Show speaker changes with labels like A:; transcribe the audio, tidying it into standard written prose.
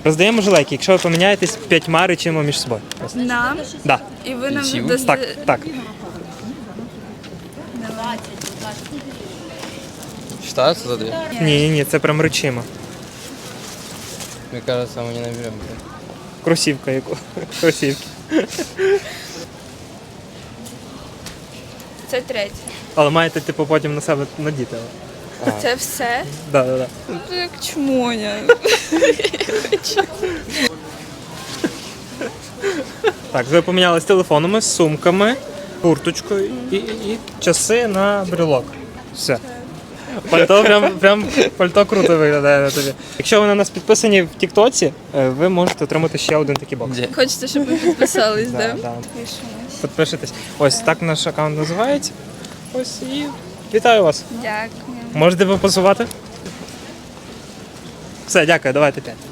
A: Роздаємо жилетки, якщо ви поміняєтесь 5 речами між собою. Ось.
B: Нам?
A: Да.
B: І ви нам
C: Всі?
B: дасте...
A: Так.
C: Считается за 2?
A: Ні, це прям речима.
C: Мне кажется, мы не наберем.
A: Кросівка яку. Кросівки.
B: Це третє.
A: Але маєте, типу, потім на себе надіти.
B: Це все?
A: Да.
B: Це як чмоня.
A: Так, ви помінялись телефонами, сумками, курточкою і часи на брелок. Все. Пальто прям пальто круто виглядає на тобі. Якщо ви на нас підписані в Тіктоці, ви можете отримати ще один такий бокс.
C: Где?
B: Хочете, щоб ми підписались,
A: Да,
B: да?
A: да.
B: Пишемось.
A: Підпишитесь. Ось так наш аккаунт називається. Ось і вітаю вас.
B: Дякую.
A: Можете попозувати? Все, дякую, давайте 5.